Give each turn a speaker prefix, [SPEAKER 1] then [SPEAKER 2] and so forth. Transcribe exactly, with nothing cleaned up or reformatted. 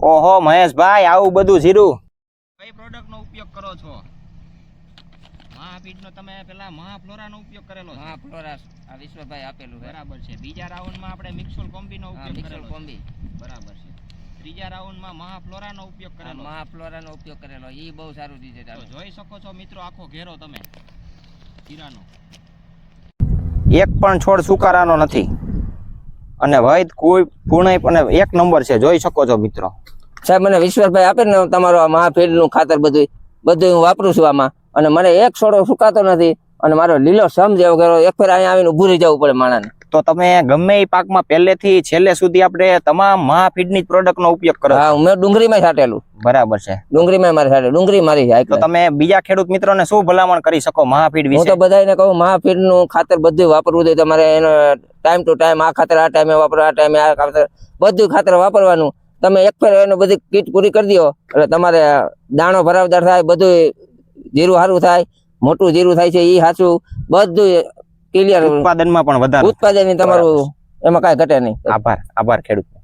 [SPEAKER 1] ઓહો મહેશભાઈ, આવું બધું જીરું કઈ પ્રોડક્ટ નો ઉપયોગ કરો છો? મહાફીડ નો તમે પેલા મહાફ્લોરા નો ઉપયોગ કરેલો છે?
[SPEAKER 2] મહાફ્લોરા આ વિશ્વભાઈ આપેલું
[SPEAKER 1] બરાબર છે. બીજા રાઉન્ડ માં આપણે મિક્સોલ કોમ્બી નો ઉપયોગ કરેલો છે.
[SPEAKER 2] કોમ્બી
[SPEAKER 1] બરાબર છે. ત્રીજા રાઉન્ડ માં મહાફ્લોરા નો ઉપયોગ કરેલો.
[SPEAKER 2] મહાફ્લોરા નો ઉપયોગ કરેલો, ઈ બહુ સારું રિઝલ્ટ આવે.
[SPEAKER 1] જોઈ શકો છો મિત્રો આખો ઘેરો તમે જીરાનો, એક પણ છોડ સુકારાનો નથી અને વૈદ કોઈ પૂર્ણ અને એક નંબર છે. જોઈ શકો છો મિત્રો.
[SPEAKER 2] સાહેબ મને વિશ્વાસભાઈ આપે ને તમારો મહાફીડ નું ખાતર બધું બધું હું વાપરું છું આમાં, અને મને એક છોડો સુકાતો નથી અને મારો લીલો સમ જેવો કર્યો. એક ફેર અહીંયા આવીને ઉભું રહી જવું પડે માણાને.
[SPEAKER 1] તો તમે ગમે એ પાકમાં પહેલેથી છેલ્લે સુધી આપણે તમામ મહાફીડની પ્રોડક્ટનો ઉપયોગ કરો?
[SPEAKER 2] હા, મેં ડુંગળીમાં છાંટેલું.
[SPEAKER 1] બરાબર છે.
[SPEAKER 2] ડુંગળીમાં મારે છાંટે, ડુંગળી મારી છે.
[SPEAKER 1] તો તમે બીજા ખેડૂત મિત્રોને શું ભલામણ કરી શકો મહાફીડ વિશે?
[SPEAKER 2] હું તો બધાને કહું મહાફીડ નું ખાતર બધું વાપરવું જોઈએ. તમારે એનો ટાઈમ ટુ ટાઈમ આ ખાતર આ ટાઈમે વાપરો, આ ટાઈમે આ ખાતર બધું ખાતર વાપરવાનું. તમે એક ફેર એનો બધી કીટ પૂરી કરી દો એટલે તમારે દાણો ભરાવદાર થાય, બધું જીરું સારું થાય, મોટું જીરું થાય છે એ સાચું, બધું ક્લિયર.
[SPEAKER 1] ઉત્પાદનમાં પણ વધારે
[SPEAKER 2] ઉત્પાદન તમારું એમાં કાંઈ ઘટે નહીં.
[SPEAKER 1] આભાર આભાર ખેડૂત.